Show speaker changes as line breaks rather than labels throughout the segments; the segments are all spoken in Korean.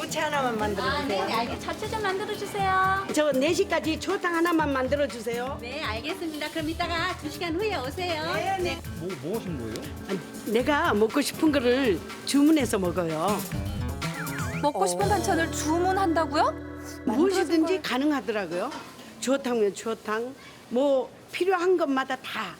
부채 하나만 만들어주세요.
네, 알겠. 자체 좀 만들어 주세요.
저 4시까지 초탕 하나만 만들어주세요.
네, 알겠습니다. 그럼 이따가 2시간 후에 오세요.
네.
뭐 하신 거예요?
내가 먹고 싶은 거를 주문해서 먹어요.
먹고 싶은 반찬을 주문한다고요?
무엇이든지 가능하더라고요. 추어탕면 추어탕, 뭐 필요한 것마다 다.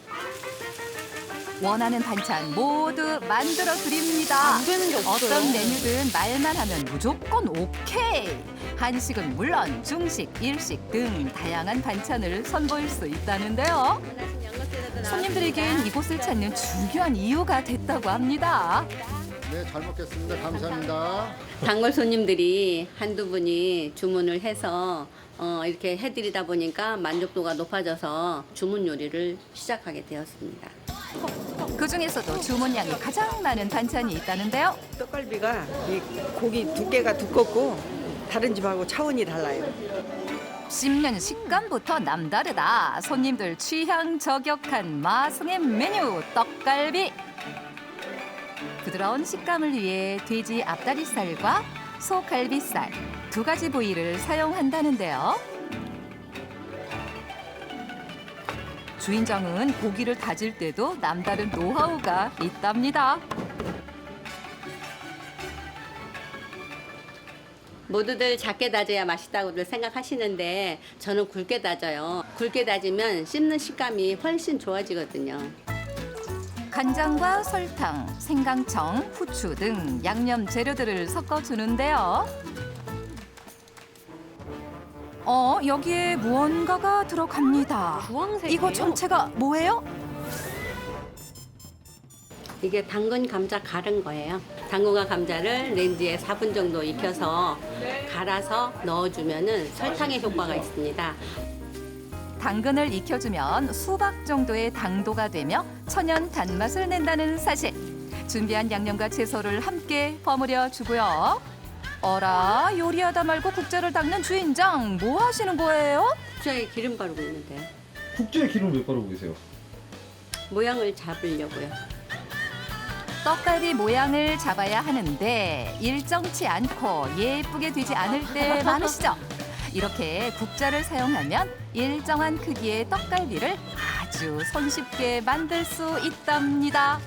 원하는 반찬 모두 만들어 드립니다.
안 되는 게 없어요.
어떤 메뉴든 말만 하면 무조건 오케이. 한식은 물론 중식, 일식 등 다양한 반찬을 선보일 수 있다는데요. 손님들에겐 이곳을 찾는 중요한 이유가 됐다고 합니다.
네, 잘 먹겠습니다. 감사합니다.
단골 손님들이 한두 분이 주문을 해서 이렇게 해드리다 보니까 만족도가 높아져서 주문 요리를 시작하게 되었습니다.
그중에서도 주문량이 가장 많은 반찬이 있다는데요.
떡갈비가 이 고기 두께가 두껍고 다른 집하고 차원이 달라요.
씹는 식감부터 남다르다. 손님들 취향 저격한 마성의 메뉴 떡갈비. 부드러운 식감을 위해 돼지 앞다리살과 소 갈비살 두 가지 부위를 사용한다는데요. 주인장은 고기를 다질 때도 남다른 노하우가 있답니다.
모두들 작게 다져야 맛있다고들 생각하시는데 저는 굵게 다져요. 굵게 다지면 씹는 식감이 훨씬 좋아지거든요.
간장과 설탕, 생강청, 후추 등 양념 재료들을 섞어주는데요. 여기에 무언가가 들어갑니다.
주황색이에요?
이거 전체가 뭐예요?
이게 당근 감자 갈은 거예요. 당근과 감자를 렌즈에 4분 정도 익혀서 갈아서 넣어주면은 설탕의 효과가 있습니다.
당근을 익혀주면 수박 정도의 당도가 되며 천연 단맛을 낸다는 사실. 준비한 양념과 채소를 함께 버무려 주고요. 어라, 요리하다 말고 국자를 닦는 주인장, 뭐 하시는 거예요?
국자에 기름 바르고 있는데요.
국자에 기름 왜 바르고 계세요?
모양을 잡으려고요.
떡갈비 모양을 잡아야 하는데 일정치 않고 예쁘게 되지 않을 때 많으시죠? 이렇게 국자를 사용하면 일정한 크기의 떡갈비를 아주 손쉽게 만들 수 있답니다.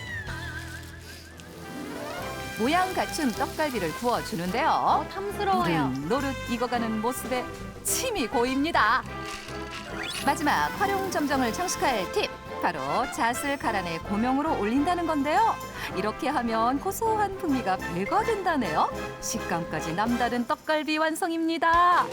모양 갖춘 떡갈비를 구워주는데요.
탐스러워요.
노릇 익어가는 모습에 침이 고입니다. 마지막 활용점정을 장식할 팁. 바로 잣을 갈아내 고명으로 올린다는 건데요. 이렇게 하면 고소한 풍미가 배가 된다네요. 식감까지 남다른 떡갈비 완성입니다.